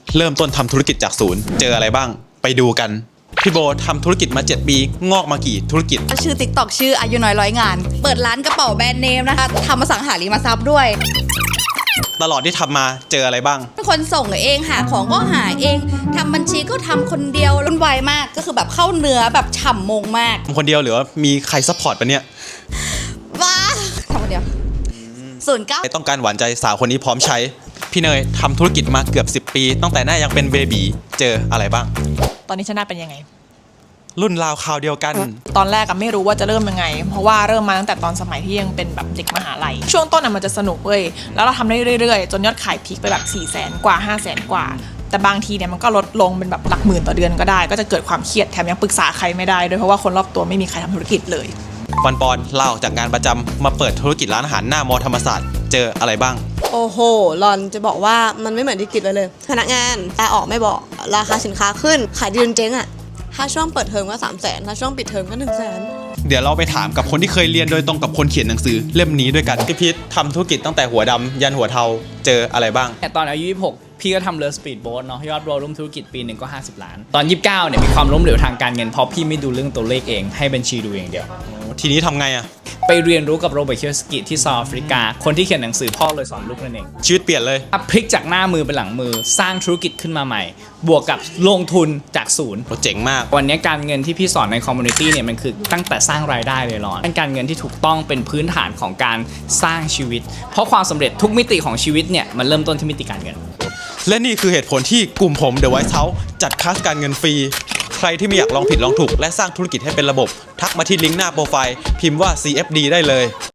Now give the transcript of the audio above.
เริ่มต้นทำธุรกิจจากศูนย์เจออะไรบ้างไปดูกันพี่โบทำธุรกิจมา7 ปีงอกมากี่ธุรกิจชื่อ TikTok ชื่ออายุน้อยร้อยงานเปิดร้านกระเป๋าแบรนด์เนมนะคะทำอสังหาริมทรัพย์ด้วยตลอดที่ทำมาเจออะไรบ้างเป็นคนส่งเองหาของก็หาเองทำบัญชีก็ทำคนเดียวรุ่นไวมากก็คือแบบเข้าเนื้อแบบฉ่ำมงมากทำคนเดียวหรือว่ามีใครซัพพอร์ตปะเนี่ยว้าทำคนเดียว09 ต้องการหวานใจสาวคนนี้พร้อมใช้พี่เนยทำธุรกิจมาเกือบ10 ปีตั้งแต่หน้ายังเป็นเบบีเจออะไรบ้างตอนนี้ชนะเป็นยังไงรุ่นราวคราวเดียวกันตอนแรกก็ไม่รู้ว่าจะเริ่มยังไงเพราะว่าเริ่มมาตั้งแต่ตอนสมัยที่ยังเป็นแบบเด็กมหาลัยช่วงต้นมันจะสนุกเว้ยแล้วเราทำได้เรื่อยๆจนยอดขายพีคไปแบบ400,000 กว่า 500,000 กว่าแต่บางทีเนี่ยมันก็ลดลงเป็นแบบหลักหมื่นต่อเดือนก็ได้ก็จะเกิดความเครียดแถมยังปรึกษาใครไม่ได้ด้วยเพราะว่าคนรอบตัวไม่มีใครทำธุรกิจเลยวันปอนลาออกจากงานประจำมาเปิดธุรกิจร้านอาหารหน้ามอธรรมศาสตร์เจออะไรบ้างโอ้โหหลอนจะบอกว่ามันไม่เหมือนที่คิดเลยพนักงานลาออกไม่บอกราคาสินค้าขึ้นขายดีจนเจ๊งอะถ้าช่วงเปิดเทอมก็300,000ถ้าช่วงปิดเทอมก็100,000 เดี๋ยวเราไปถามกับคนที่เคยเรียนโดยตรงกับคนเขียนหนังสือเล่มนี้ด้วยกันพี่พิษทำธุรกิจตั้งแต่หัวดำยันหัวเทาเจออะไรบ้างตอนอายุ26พี่ก็ทำเรือสปีดโบ๊ทเนาะยอดรวมธุรกิจปีหนึ่งก็50 ล้านตอน29เนี่ยมีความล้มเหลวทางการเงินเพราะพี่ไม่ดูเรื่องตัวเลขเองให้บัญชีดูอย่างเดียวทีนี้ทำไงอะไปเรียนรู้กับโรเบิร์ต คิโยสกิที่เซาท์แอฟริกาคนที่เขียนหนังสือพ่อเลยสอนลูกนั่นเองชีวิตเปลี่ยนเลยพลิกจากหน้ามือเป็นหลังมือสร้างธุรกิจขึ้นมาใหม่บวกกับลงทุนจากศูนย์เจ๋งมากวันนี้การเงินที่พี่สอนในคอมมูนิตี้เนี่ยมันคือตั้งแต่สร้างรายได้เลยหรอการเงินที่ถูกต้องเป็นพื้นฐานของการสร้างชีวิตเพราะความสำเร็จทุกมิติของชีวิตเนี่ยมันเริ่มต้นที่มิติการเงินและนี่คือเหตุผลที่กลุ่มผม The White House จัดคลาสการเงินฟรีใครที่ไม่อยากลองผิดลองถูกและสร้างธุรกิจให้เป็นระบบทักมาที่ลิงก์หน้าโปรไฟล์พิมพ์ว่า CFD ได้เลย